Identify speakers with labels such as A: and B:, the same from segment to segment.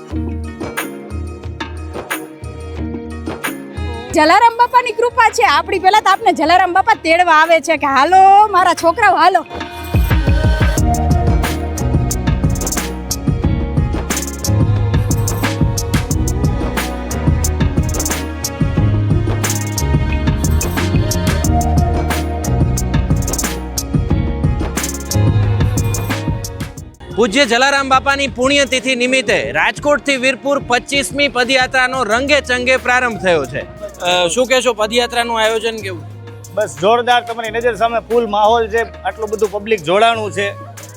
A: જલારામ બાપાની કૃપા છે આપણી. પહેલા તો આપને જલારામ બાપા તેડવા આવે છે કે હાલો મારા છોકરાઓ હાલો.
B: પૂજ્ય જલારામ બાપાની પુણ્યતિથિ નિમિત્તે રાજકોટથી વીરપુર 25મી પદયાત્રાનો રંગે ચંગે પ્રારંભ થયો છે. શું કહેશો, પદયાત્રાનું આયોજન કેવું?
C: બસ જોરદાર, તમારી નજર સામે ફૂલ માહોલ છે, આટલું બધું પબ્લિક જોડાણું છે,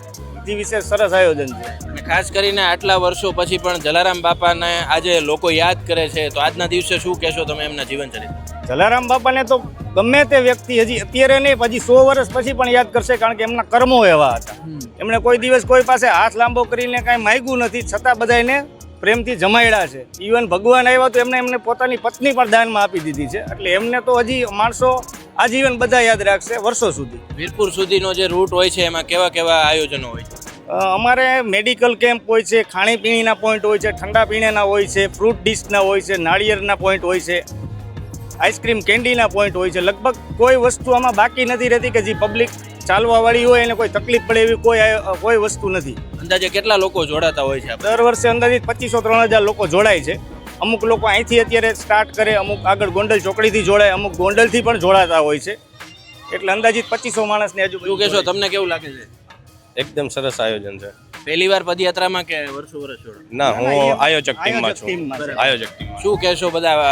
C: એ વિશેષ સરસ આયોજન છે.
B: અને ખાસ કરીને આટલા વર્ષો પછી પણ જલારામ બાપાને આજે લોકો યાદ કરે છે, તો આજના દિવસે શું કહેશો તમે એમના જીવન ચરિત્ર?
C: જલારામ બાપાને તો ગમે તે વ્યક્તિ હજી અત્યારે નહીં, પછી 100 વર્ષ પછી પણ યાદ કરશે, કારણ કે એમના કર્મો એવા હતા. એમણે કોઈ દિવસ કોઈ પાસે હાથ લાંબો કરીને કાંઈ માંગ્યું નથી, છતાં બધાને પ્રેમથી જમાડ્યા છે. ઇવન ભગવાન આવ્યા તો એમને પોતાની પત્ની પણ દાનમાં આપી દીધી છે. એટલે એમને તો હજી માણસો આજીવન બધા યાદ રાખશે વર્ષો સુધી.
B: વીરપુર સુધીનો જે રૂટ હોય છે એમાં કેવા કેવા આયોજનો હોય છે?
C: અમારે મેડિકલ કેમ્પ હોય છે, ખાણીપીણીના પોઈન્ટ હોય છે, ઠંડા પીણાના હોય છે, ફ્રૂટ ડીશના હોય છે, નાળિયેરના પોઈન્ટ હોય છે, આઈસ્ક્રીમ કેન્ડીના પોઈન્ટ હોય છે. લગભગ કોઈ વસ્તુ આમાં બાકી નથી રહેતી કે જે પબ્લિક ચાલવાવાળી હોય એને કોઈ તકલીફ પડે એવી કોઈ વસ્તુ નથી.
B: અંદાજે કેટલા લોકો જોડાતા હોય છે?
C: દર વર્ષે અંદાજિત 2500-3000 લોકો જોડાય છે. અમુક લોકો અહીંથી અત્યારે સ્ટાર્ટ કરે, અમુક આગળ ગોંડલ ચોકડીથી જોડાય, અમુક ગોંડલથી પણ જોડાતા હોય છે. એટલે અંદાજિત 2500 માણસની આજુબાજુ.
B: શું કહેશો, તમને કેવું લાગે છે?
D: એકદમ સરસ આયોજન છે.
B: પહેલી વાર પદયાત્રામાં કે વર્ષો વર્ષ જોડો?
D: ના, હું આયોજક ટીમમાં છું. આયોજક ટીમ.
B: શું કહેશો,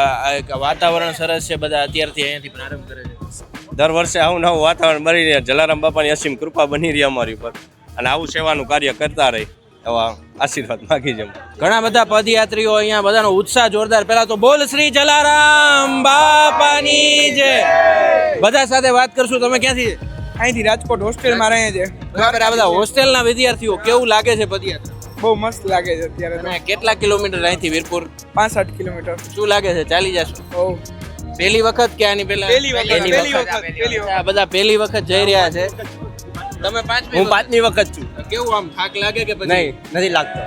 B: બધા વાતાવરણ સરસ છે, બધા અત્યારથી અહીંયાથી પ્રારંભ કરે છે?
D: દર વર્ષે આવું નવું વાતાવરણ બની રહ્યા, જલારામ બાપાની અસીમ કૃપા બની રહી અમારી ઉપર, અને આવું સેવાનું કાર્ય કરતા રહી એવા આશીર્વાદ માગી છે.
B: ઘણા બધા પદયાત્રીઓ અહીંયા, બધાનો ઉત્સાહ જોરદાર. પહેલા તો બોલ શ્રી જલારામ બાપાની જય. બધા સાથે વાત કરશું. તમે ક્યાંથી?
E: અહીંથી રાજકોટ હોસ્ટેલમાં રહે છે.
B: બરાબર. આ બધા હોસ્ટેલના વિદ્યાર્થીઓ, કેવું લાગે છે પદયાત્રા?
E: બહુ મસ્ત લાગે છે અત્યારે તો.
B: અને કેટલા કિલોમીટર અહીંથી વીરપુર?
E: 65 કિલોમીટર.
B: શું લાગે છે, ચાલી જશો?
E: બહુ.
B: પહેલી વખત કે આની પહેલા?
E: પહેલી વખત.
B: આ બધા પહેલી વખત જઈ રહ્યા છે. તમે
D: હું 5મી વખત છું.
B: કેવું આમ થાક લાગે કે પછી?
D: નહીં, નથી લાગતો.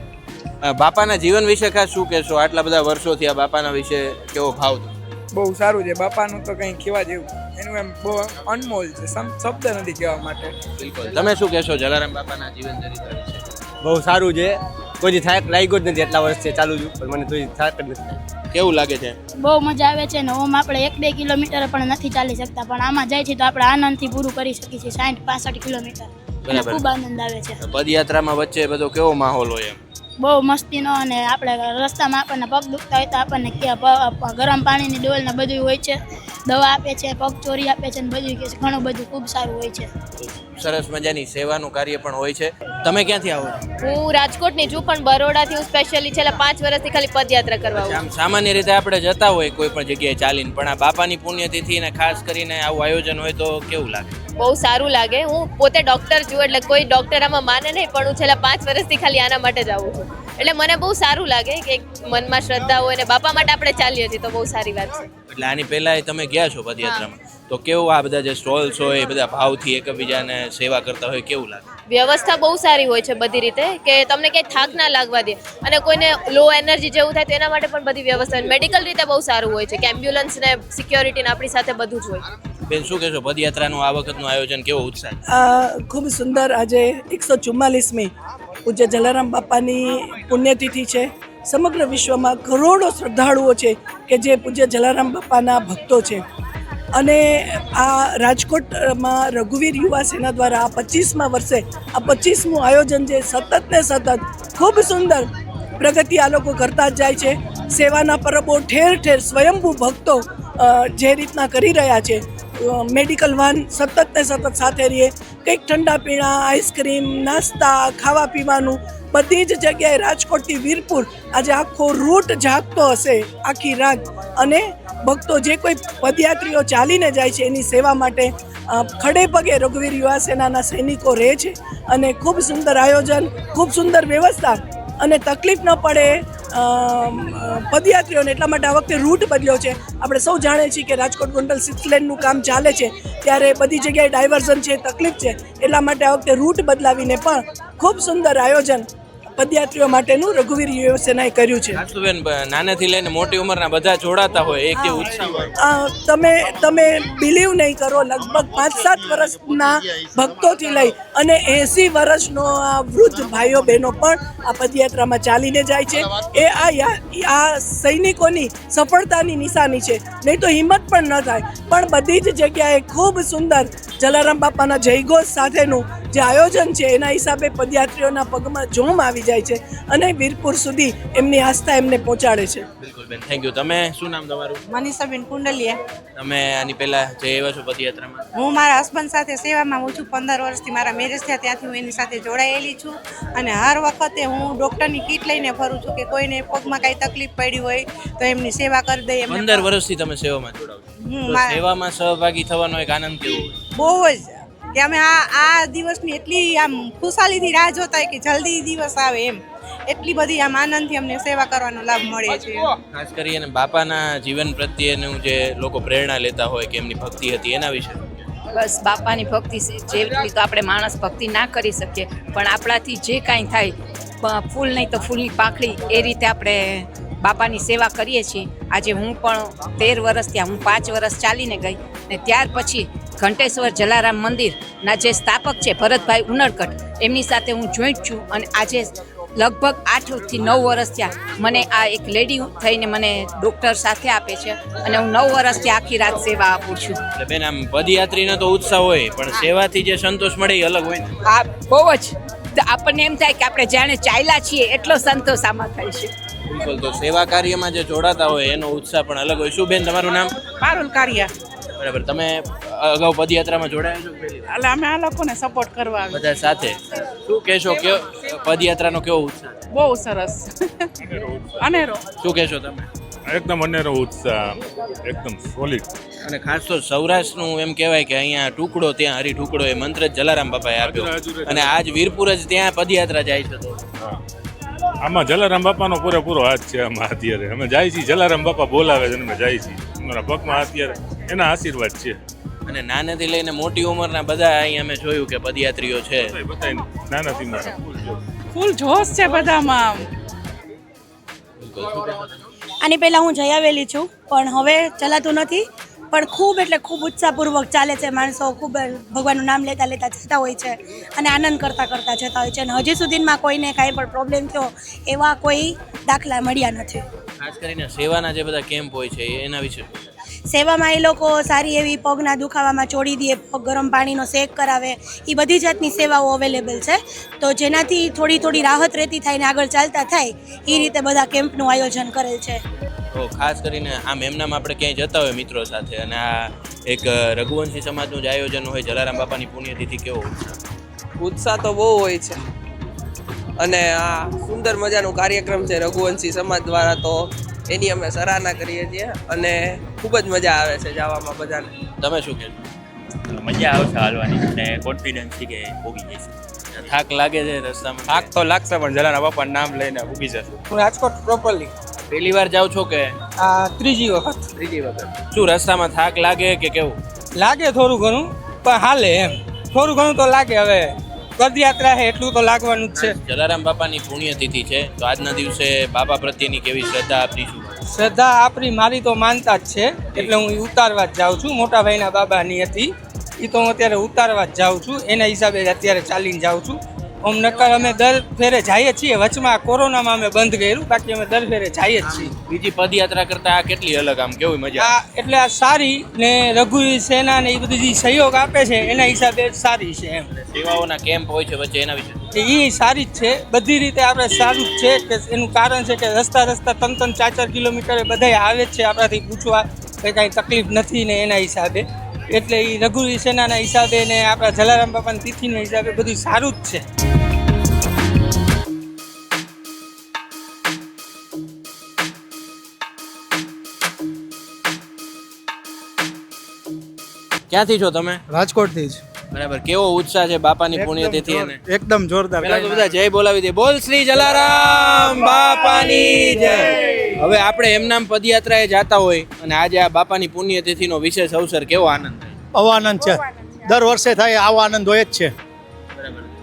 B: બાપાના જીવન વિશે ખાસ શું કહેશો? આટલા બધા વર્ષોથી આ બાપાના વિશે કેવો ભાવ?
E: બહુ સારું છે. બાપાનું તો કંઈ કહેવા જેવું, એનું એમ બહુ અનમોલ છે, શબ્દ નથી કહેવા માટે.
B: બિલકુલ. તમે શું કહેશો જલારામ બાપાના જીવન ચરિત્ર વિશે?
D: બહુ સારું છે. કોઈ થાક લાગ્યો જ નથી, એટલા વર્ષથી ચાલુ છું, પણ મને કોઈ થાક જ નથી.
B: કેવું લાગે છે?
F: બહુ મજા આવે છે ને. ઓમ આપણે 1-2 કિલોમીટર પણ નથી ચાલી શકતા, પણ આમાં જાય છે તો આપણે આનંદથી પૂરું કરી શકીએ છીએ 60-65 કિલોમીટર.
B: બરાબર.
F: ખૂબ આનંદ આવે છે.
B: પદયાત્રામાં વચ્ચે બધો કેવો માહોલ હોય? એમ
F: બહુ મસ્તીનો, અને આપણે રસ્તામાં આપણને પગ દુખતા હોય તો આપણને ગરમ પાણીની ડોલ ને બધું હોય છે, દવા આપે છે, પગ ચોરી આપે છે ને બધું કે છે. ઘણું બધું ખૂબ સારું હોય છે.
B: સરસ મજાની સેવાનું કાર્ય પણ હોય છે. તમે ક્યાંથી આવો?
G: હું રાજકોટની છું, પણ બરોડાથી હું સ્પેશિયલી છેલ્લા 5 વર્ષથી ખાલી પદયાત્રા કરવા આવું.
B: આમ સામાન્ય રીતે આપણે જતા હોય કોઈ પણ જગ્યાએ ચાલીને, પણ આ બાપાની પુણ્યતિથિ ને ખાસ કરીને આવું આયોજન હોય તો કેવું લાગે?
G: બહુ સારું લાગે. હું પોતે ડોક્ટર છું, એટલે કોઈ ડોક્ટર આમાં માને નહીં, પણ હું છેલ્લા 5 વર્ષથી ખાલી આના માટે જ આવું છું. એટલે મને બહુ સારું લાગે કે મનમાં શ્રદ્ધા હોય ને બાપા માટે આપણે ચાલીએ છીએ તો બહુ સારી વાત છે.
B: એટલે આની પહેલા તમે ગયા છો પદયાત્રામાં, તો કેવું આ બધા જે સ્ટોલ્સ હોય એ બધા ભાવથી એકબીજાને સેવા કરતા હોય, કેવું લાગે?
G: વ્યવસ્થા બહુ સારી હોય છે બધી રીતે, કે તમને ક્યાંય થાક ના લાગવા દે, અને કોઈને લો એનર્જી જેવું થાય તો એના માટે પણ બધી વ્યવસ્થા. મેડિકલ રીતે બહુ સારું હોય છે, કે એમ્બ્યુલન્સ ને સિક્યોરિટી ને આપણી સાથે બધું જ હોય.
B: બેન, શું કહેશો, પદયાત્રાનું આ વખતનું આયોજન કેવો ઉત્સાહ?
H: ખૂબ સુંદર. આજે 144મી પૂજ્ય જલારામ બાપાની પુણ્યતિથિ છે. સમગ્ર વિશ્વમાં કરોડો શ્રદ્ધાળુઓ છે કે જે પૂજ્ય જલારામ બાપાના ભક્તો છે. અને આ રાજકોટમાં રઘુવીર યુવા સેના દ્વારા આ 25મા વર્ષે આ 25મું આયોજન છે. સતત ને સતત ખૂબ સુંદર પ્રગતિ આ લોકો કરતા જ જાય છે. સેવાના પરબો ઠેર ઠેર સ્વયંભૂ ભક્તો જે રીતના કરી રહ્યા છે. મેડિકલ વાન સતત ને સતત સાથે રહીએ, કંઈક ઠંડા પીણા, આઈસ્ક્રીમ, નાસ્તા, ખાવા પીવાનું બધી જ જગ્યાએ રાજકોટથી વીરપુર આજે આખો રૂટ જાગતો હશે આખી રાત. અને ભક્તો જે કોઈ પદયાત્રીઓ ચાલીને જાય છે એની સેવા માટે ખડે પગે રઘુવીર યુવા સેનાના સૈનિકો રહે છે. અને ખૂબ સુંદર આયોજન, ખૂબ સુંદર વ્યવસ્થા, અને તકલીફ ન પડે પદયાત્રીઓને એટલા માટે આ વખતે રૂટ બદલ્યો છે. આપણે સૌ જાણીએ છીએ કે રાજકોટ ગોંડલ 6 લેનનું કામ ચાલે છે, ત્યારે બધી જગ્યાએ ડાયવર્ઝન છે, તકલીફ છે. એટલા માટે આ વખતે રૂટ બદલાવીને પણ ખૂબ સુંદર આયોજન પદયાત્રીઓ માટેનું રઘુવીર યુવા સેનાએ કર્યું છે.
B: બેન નાનેથી લઈને મોટી ઉંમરના બધા જોડાતા હોય એક જે ઉત્સાહ હોય.
H: તમે બિલીવ નહીં કરો, લગભગ 5-7 વર્ષના ભક્તોથી લઈ અને 80 વર્ષનો આ વૃદ્ધ ભાઈઓ બહેનો પણ આ પદયાત્રામાં ચાલીને જાય છે. એ આ સૈનિકોની સફળતાની નિશાની છે. નહીં તો હિંમત પણ ન થાય. પણ બધી જ જગ્યાએ ખૂબ સુંદર જલારામ બાપાના જયઘોષ સાથેનું જે આયોજન છે એના હિસાબે પદયાત્રીઓના પગમાં જોમ આવી જાય છે અને વીરપુર સુધી એમની આસ્થા એમને પહોંચાડે છે.
B: બિલકુલ બેન, થેન્ક યુ. તમે શું નામ તમારું?
I: મનીષાબેન કુંડલિયા.
B: તમે આની પહેલા જઈ આવ્યા છો પદયાત્રામાં?
I: હું મારા હસબન્ડ સાથે સેવામાં હું છું. 15 વર્ષથી મારા મેરેજ થયા ત્યાંથી હું એની સાથે જોડાયેલી છું અને હર વખતે હું ડૉક્ટરની કીટ લઈને ફરું છું કે કોઈને પગમાં કાંઈ તકલીફ પડી હોય તો એમની સેવા કરી દઈએ.
B: 15 વર્ષથી તમે સેવામાં જોડાવ છો. તો સેવામાં સહભાગી થવાનો એક આનંદ કેવો હોય?
I: બહુ જ કે અમે આ દિવસની એટલી આમ ખુશાલીથી રાહ જોતા હોય કે જલ્દી દિવસ આવે એમ. એટલી બધી આમ આનંદથી અમને સેવા કરવાનો લાભ મળે છે.
B: ખાસ કરીને બાપાના જીવન પ્રત્યેનું જે લોકો પ્રેરણા લેતા હોય કે એમની ભક્તિ હતી એના વિશે.
J: બસ બાપાની ભક્તિ જેટલી તો આપણે માણસ ભક્તિ ના કરી શકીએ, પણ આપણાથી જે કાંઈ થાય ફૂલ નહીં તો ફૂલની પાંખડી એ રીતે આપણે બાપાની સેવા કરીએ છીએ. આજે હું પણ 13 વર્ષ ત્યાં, હું 5 વર્ષ ચાલીને ગઈ ને ત્યાર પછી ઘંટેશ્વર જલારામ મંદિરના જે સ્થાપક છે ભરતભાઈ ઉનડકટ, એમની સાથે હું જોઈન્ટ છું અને આજે લગભગ 8 થી 9 વર્ષ થયા મને આ એક લેડી થઈને મને ડૉક્ટર સાથે આપે છે અને હું 9 વર્ષથી આખી રાત સેવા આપું છું.
B: એટલે બેન આમ પદયાત્રીનો તો ઉત્સાહ હોય પણ સેવાથી જે સંતોષ મળે એ અલગ હોય ને.
J: આ બહુ જ આપણને એમ થાય કે આપણે જાણે ચાલ્યા છીએ એટલો સંતોષ આમાં થાય છે.
B: બિલકુલ. તો સેવા કાર્યમાં જે જોડાતા હોય એનો ઉત્સાહ પણ અલગ હોય. શું બેન તમારું નામ?
I: પારુલ કારિયા.
B: બરાબર. તમે અગાઉ પદયાત્રામાં જોડાયા છો?
I: એટલે અમે આ લોકોને સપોર્ટ કરવા આવે.
B: બધા સાથે શું કહેશો કે પદયાત્રાનો કેવો ઉત્સાહ?
I: બહુ સરસ અનેરો.
B: શું કહેશો તમે?
K: એકદમ અનેરો ઉત્સાહ, એકદમ સોલિડ.
B: અને ખાસ તો સૌરાષ્ટ્રનું એમ કહેવાય કે અહીંયા ટુકડો ત્યાં હરી ટુકડો એ મંત્ર જ જલારામ બાપાએ આપ્યો અને આજ વીરપુર જ ત્યાં પદયાત્રા જાય છે. તો
K: આમાં જલારામ બાપાનો પૂરેપૂરો હાથ છે. આમાં અત્યારે અમે જાય છીએ, જલારામ બાપા બોલાવે છે અમે જાય છીએ. અમારા પગમાં અત્યારે એના આશીર્વાદ છે.
B: અને નાનેથી લઈને મોટી ઉંમરના બધા અહીં અમે જોયું કે પદયાત્રીઓ છે.
K: બધા નાનાથી મોટા
I: ફૂલ જોશ છે બધામાં.
F: આની પહેલાં હું જઈ આવેલી છું પણ હવે ચલાતું નથી. પણ ખૂબ એટલે ખૂબ ઉત્સાહપૂર્વક ચાલે છે. માણસો ખૂબ ભગવાનનું નામ લેતા લેતા જતા હોય છે અને આનંદ કરતા કરતા જતા હોય છે અને હજી સુધીમાં કોઈને કાંઈ પણ પ્રોબ્લેમ થયો એવા કોઈ દાખલા મળ્યા નથી.
B: ખાસ કરીને સેવાના જે બધા કેમ્પ હોય છે એના વિશે
F: સેવામાં એ લોકો સારી એવી પગના દુખાવામાં ચોડી દે, પગ ગરમ પાણીનો શેક કરાવે, એ બધી જાતની સેવાઓ અવેલેબલ છે. તો જેનાથી થોડી રાહત રહેતી થાય ને આગળ ચાલતા થાય એ રીતે બધા કેમ્પનું આયોજન કરેલ છે.
B: તો ખાસ કરીને આમ એમનામ આપણે ક્યાંય જતા હોય મિત્રો સાથે અને આ એક રઘુવંશી સમાજનું જ આયોજન હોય જલારામ બાપાની પુણ્યતિથિ, કેવો
L: ઉત્સાહ તો બહુ હોય છે અને આ સુંદર મજાનું કાર્યક્રમ છે રઘુવંશી સમાજ દ્વારા, તો એની અમે સરાહના કરીએ છીએ અને ખૂબ જ મજા આવે છે જવામાં બધાને. તમે શું કહેશો?
M: મજા આવશે હાલવાની અને કોન્ફિડન્સ છે કે ભોગી જઈશું.
B: થાક લાગે છે રસ્તામાં?
M: થાક તો લાગશે પણ જલારામ બાપાનું નામ લઈને ભૂગી જશે.
E: હું રાજકોટ પ્રોપરલી
B: પહેલી વાર જાવ છો કે?
E: ત્રીજી વખત.
B: શું રસ્તામાં થાક લાગે કે કેવું
E: લાગે? થોડું ઘણું પણ હાલે એમ. થોડું ઘણું તો લાગે. હવે પદયાત્રા છે એટલું તો લાગવાનું જ છે.
B: જલારામ બાપાની પુણ્યતિથિ છે તો આજના દિવસે બાપા પ્રત્યેની કેવી શ્રદ્ધા આપની શું?
E: શ્રદ્ધા આપણી મારી તો માનતા જ છે એટલે હું ઉતારવા જ જાઉં છું. મોટા ભાઈના બાબાની હતી એ તો હું અત્યારે ઉતારવા જ જાઉં છું. એના હિસાબે અત્યારે ચાલીને જાઉં છું. આમ નકર અમે દર ફેરે જઈએ છીએ. વચમાં કોરોનામાં અમે બંધ કર્યું, બાકી અમે દર ફેરે જઈએ જ છીએ.
B: બીજી પદયાત્રા કરતા આ કેટલી અલગ, આમ કેવી મજા?
E: એટલે આ સારી ને રઘુ સેના ને એ બધી જે સહયોગ આપે છે એના હિસાબે સારી છે એમ.
B: સેવાઓના કેમ્પ હોય છે વચ્ચે એના વિશે
E: એ સારી જ છે. બધી રીતે આપણે સારું જ છે કે એનું કારણ છે કે રસ્તા 3-4 કિલોમીટર બધા આવે જ છે આપણાથી પૂછવા કે કાંઈ તકલીફ નથી ને એના હિસાબે. એટલે એ રઘુ સેનાના હિસાબે ને આપણા જલારામ બાપાની તિથિના હિસાબે બધું સારું જ છે.
B: ક્યાંથી છો તમે?
N: રાજકોટથી જ.
B: બરાબર. કેવો ઉત્સાહ છે બાપાની પુણ્યતિથિ?
N: એકદમ જોરદાર.
B: પહેલા તો બધા જય બોલાવી દે. બોલ શ્રી જલારામ બાપાની જય. હવે આપણે એમનામ પદયાત્રાએ જાતા હોય અને આજે આ બાપાની પુણ્યતિથિનો વિશેષ અવસર, કેવો આનંદ થાય?
N: આવો આનંદ છે. દર વર્ષે થાય આવો આનંદ હોય જ છે.
B: બરાબર.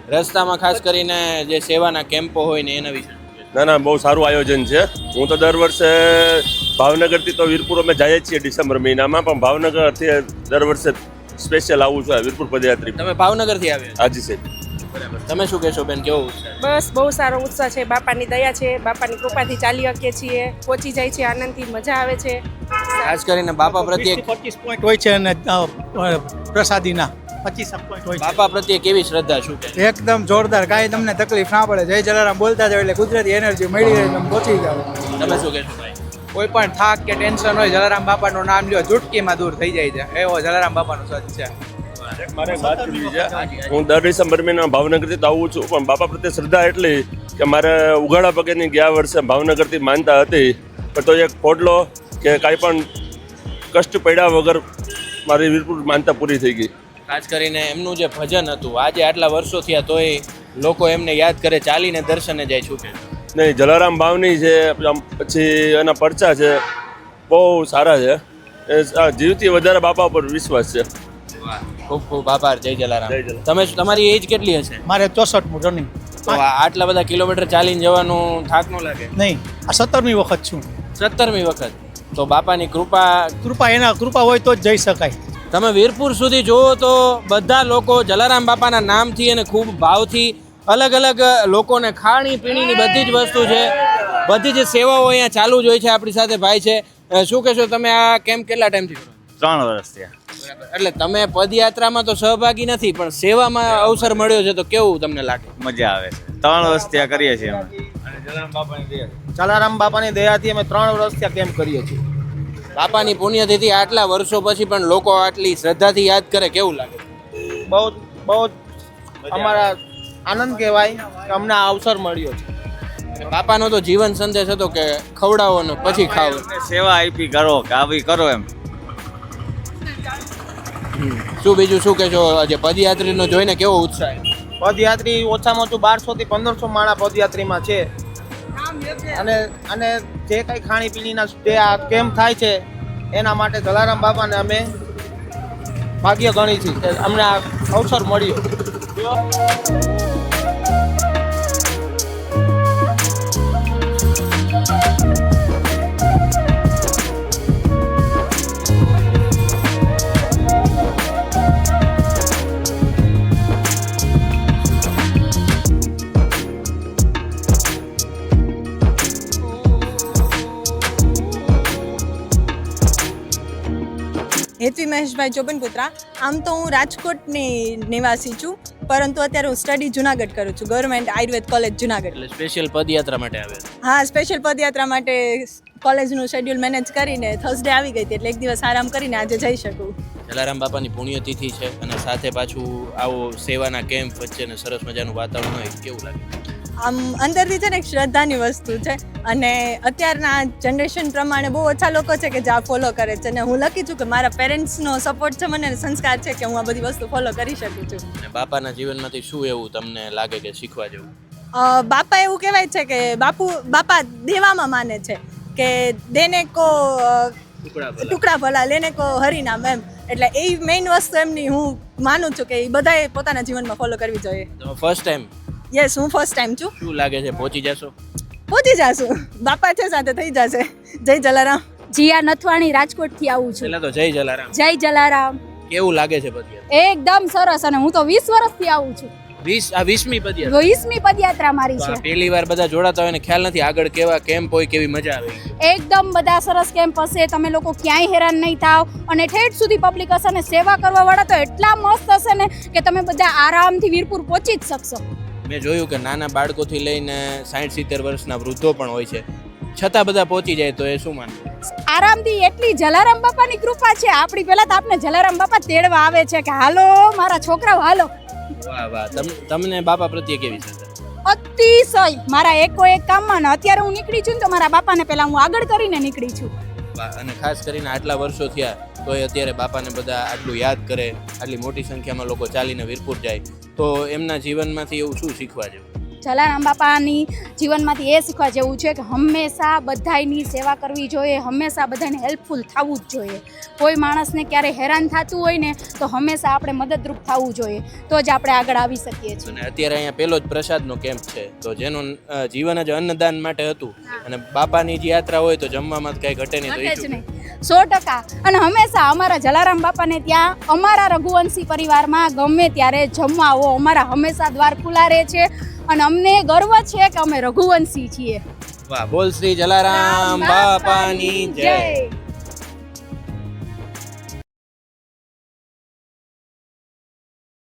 B: રસ્તામાં ખાસ કરીને જે સેવાના કેમ્પો હોય ને એના વિશે
D: ના બહુ સારું આયોજન છે. હું તો દર વર્ષે ભાવનગરથી તો વીરપુર અમે જઈએ છીએ ડિસેમ્બર મહિનામાં, પણ ભાવનગરથી દર વર્ષે સ્પેશિયલ આવું છું વીરપુર પદયાત્રી.
B: તમે ભાવનગરથી આવ્યા
D: હાજી સાહેબ.
B: બરાબર. તમે શું કહેશો બેન, કેવો ઉત્સાહ?
N: બસ બહુ સારો ઉત્સાહ છે. બાપાની દયા છે, બાપાની કૃપાથી ચાલી શકીએ છીએ, પહોંચી જાય છે આનંદથી, મજા આવે છે.
B: ખાસ કરીને બાપા પ્રત્યે
O: 25 પોઈન્ટ હોય છે અને પ્રસાદીના 25 પોઈન્ટ હોય છે.
B: બાપા પ્રત્યે કેવી શ્રદ્ધા, શું કહે?
O: એકદમ જોરદાર, કાંઈ તમને તકલીફ ના પડે. જય જલારામ બોલતા જાવ એટલે કુદરતી એનર્જી મળી રહે, તમે પહોંચી જાવ.
B: તમે શું કહેશો ભાઈ?
P: કોઈ પણ થાક કે ટેન્શન હોય, જલારામ બાપાનું નામ લ્યો, ચૂટકીમાં દૂર થઈ જાય છે. એવો જલારામ બાપાનો સચ છે.
D: મારે વાત કરવી છે. હું દર ડિસેમ્બર મહિનામાં ભાવનગરથી તો આવું છું, પણ બાપા પ્રત્યે શ્રદ્ધા એટલી કે મારે ઉઘાડા પગેની ગયા વર્ષે ભાવનગરથી માનતા હતી, પણ તો એક પોડલો કે કાંઈ પણ કષ્ટ પડ્યા વગર મારી વીરપુર માનતા પૂરી થઈ ગઈ.
B: ખાસ કરીને એમનું જે ભજન હતું, આજે આટલા વર્ષો થયા તોય લોકો એમને યાદ કરે, ચાલીને દર્શને જાય. શું કે
D: નહીં, જલારામ બાવની છે, પછી એના પરચા છે, બહુ સારા છે. જીવથી વધારે બાપા પર વિશ્વાસ છે.
B: ખૂબ ખૂબ આભાર. જય જલારામ. તમે તમારી એજ કેટલી હશે?
O: મારે 64મું રનિંગ.
B: તો આટલા બધા કિલોમીટર ચાલીને જવાનું થાક ન લાગે?
O: નહીં, આ 17મી વખત છું.
B: 17મી વખત. તો બાપાની કૃપા
O: એના કૃપા હોય તો જ જઈ શકાય.
B: તમે વીરપુર સુધી જુઓ તો બધા લોકો જલારામ બાપાના નામથી અને ખૂબ ભાવથી અલગ અલગ લોકોને ખાણી પીણીની બધી જ વસ્તુ છે, બધી જ સેવાઓ અહીંયા ચાલુ જ હોય છે. આપણી સાથે ભાઈ છે. શું કહેશો તમે, આ કેમ્પ કેટલા ટાઈમથી કરો?
C: 3 વર્ષ થયા.
B: એટલે તમે પદયાત્રામાં તો સહભાગી નથી, પણ સેવામાં અવસર મળ્યો છે, તો કેવું તમને લાગે?
C: મજા આવે છે. 3 વર્ષ ત્યાં કરીએ છીએ અમે.
P: જલારામ બાપાની દયાથી અમે 3 વર્ષથી કેમ્પ કરીએ છીએ.
B: બાપાની પુણ્યતિથિ આટલા વર્ષો પછી પણ લોકો આટલી શ્રદ્ધાથી યાદ કરે, કેવું લાગે?
P: બહુ બહુ અમારા આનંદ કહેવાય કે અમને આ અવસર મળ્યો છે.
B: બાપાનો તો જીવન સંદેશ હતો કે ખવડાવો ને પછી ખાઓ.
C: સેવા આપી કરો કે આવી કરો એમ.
B: શું બીજું શું કહેશો? આજે પદયાત્રીનો જોઈને કેવો ઉત્સાહ?
P: પદયાત્રી ઓછામાં ઓછું 1200 થી 1500 માણા પદયાત્રીમાં છે. અને જે કંઈ ખાણીપીણીના જે આ કેમ્પ થાય છે એના માટે જલારામ બાપાને અમે ભાગ્ય ગણી છીએ કે અમને આ અવસર મળ્યો.
Q: હેતવી મહેશભાઈ ચોબનપુત્રા. આમ તો હું રાજકોટની નિવાસી છું, પરંતુ અત્યારે હું સ્ટડી જુનાગઢ કરું છું, ગવર્મેન્ટ આયુર્વેદ કોલેજ જુનાગઢ.
B: એટલે સ્પેશિયલ પદયાત્રા માટે આવે?
Q: હા, સ્પેશિયલ પદયાત્રા માટે કોલેજનું શેડ્યુલ મેનેજ કરીને થર્સડે આવી ગઈ હતી, એટલે એક દિવસ આરામ કરીને આજે જઈ શકું.
B: જલારામ બાપાની પુણ્યતિથિ છે અને સાથે પાછું આવો સેવાના કેમ્પ વચ્ચે ને સરસ મજાનું વાતાવરણ હોય, કેવું લાગે?
Q: આમ અંદરથી છે ને એક શ્રદ્ધાની વસ્તુ છે, અને અત્યારના જનરેશન પ્રમાણે બહુ ઓછા લોકો છે કે જે આ ફોલો કરે છે, અને હું લખી છું કે મારા પેરેન્ટ્સનો સપોર્ટ છે, મને સંસ્કાર છે કે હું આ બધી વસ્તુ ફોલો કરી શકું છું.
B: અને બાપાના જીવનમાંથી શું એવું તમને લાગે કે શીખવા જેવું?
Q: બાપા એવું કહેવાય છે કે બાપા દેવામાં માને છે કે દેને કો ટુકડા ભલા લેને કો હરિનામ, એમ. એટલે એ મેઇન વસ્તુ એમની હું માનું છું કે એ બધાએ પોતાના જીવનમાં ફોલો કરવી જોઈએ.
B: તમે ફર્સ્ટ ટાઈમ?
Q: યસ, હું ફર્સ્ટ ટાઈમ છું.
B: શું લાગે છે, પહોંચી જશો?
Q: પહોંચી જશું, બાપા છે સાથે, થઈ જશે. જય જલારામ.
A: જીયા નથવાણી, રાજકોટથી આવું છું.
B: પહેલા તો જય જલારામ.
A: જય જલારામ.
B: કેવું લાગે છે પદયાત્રા?
A: એકદમ સરસ, અને હું તો 20 વર્ષથી આવું છું.
B: 20મી પદયાત્રા?
A: 20મી પદયાત્રા મારી છે.
B: પહેલી વાર બધા જોડાતા હોય ને ખ્યાલ નથી આગળ કેવા કેમ્પ હોય, કેવી મજા આવે?
A: એકદમ બધા સરસ કેમ્પ હશે, તમે લોકો ક્યાંય હેરાન નહીં થાવ, અને ઠેઠ સુધી પબ્લિક હશે, અને સેવા કરવા વાળા તો એટલા મસ્ત હશે ને કે તમે બધા આરામથી વીરપુર પહોંચી જ શકશો.
B: મેં જોયું કે નાના બાળકોથી લઈને 60-70 વર્ષના વૃદ્ધો પણ હોય છે, છતાં બધા પહોંચી જાય, તો એ શું માનવું?
A: આરામથી. એટલી જલારામ બાપાની કૃપા છે આપણી. પહેલા તો આપણે જલારામ બાપા તેડવા આવે છે કે હાલો મારા છોકરાઓ હાલો.
B: વાહ વાહ. તમને બાપા પ્રત્યે કેવી છે?
A: અતિશય. મારા એક કામમાં ને અત્યારે હું નીકળી છું ને તો મારા બાપાને પહેલા હું આગળ કરીને નીકળી છું.
B: અને ખાસ કરીને આટલા વર્ષો થયા તો અત્યારે બાપાને બધા આટલું યાદ કરે, આટલી મોટી સંખ્યામાં લોકો ચાલીને વીરપુર જાય, તો એમના જીવનમાંથી એવું શું શીખવા જેવું?
A: જલારામ બાપાની જીવનમાંથી એ શીખવા જેવું છે કે હંમેશા બધાની સેવા કરવી જોઈએ, હંમેશા બધાને હેલ્પફુલ થવું જ જોઈએ. કોઈ માણસને ક્યારે હેરાન થતું હોય ને તો હંમેશા આપણે મદદરૂપ થવું જોઈએ, તો જ આપણે આગળ આવી શકીએ છીએ.
B: અને અત્યારે અહીંયા પહેલો જ પ્રસાદનો કેમ્પ છે, તો જેનું જીવન જ અન્નદાન માટે હતું, અને બાપાની જે યાત્રા હોય તો જમવામાં કંઈ ઘટે નહીં.
A: ઘટે જ નહીં, 100%. અને હંમેશા અમારા જલારામ બાપાને ત્યાં અમારા રઘુવંશી પરિવારમાં ગમે ત્યારે જમવા આવો, અમારા હંમેશા દ્વાર ખુલ્લા રહે છે, અને અમને ગર્વ છે કે અમે રઘુવંશી છીએ.
B: વાહ, બોલ શ્રી જલારામ બાપાની જય.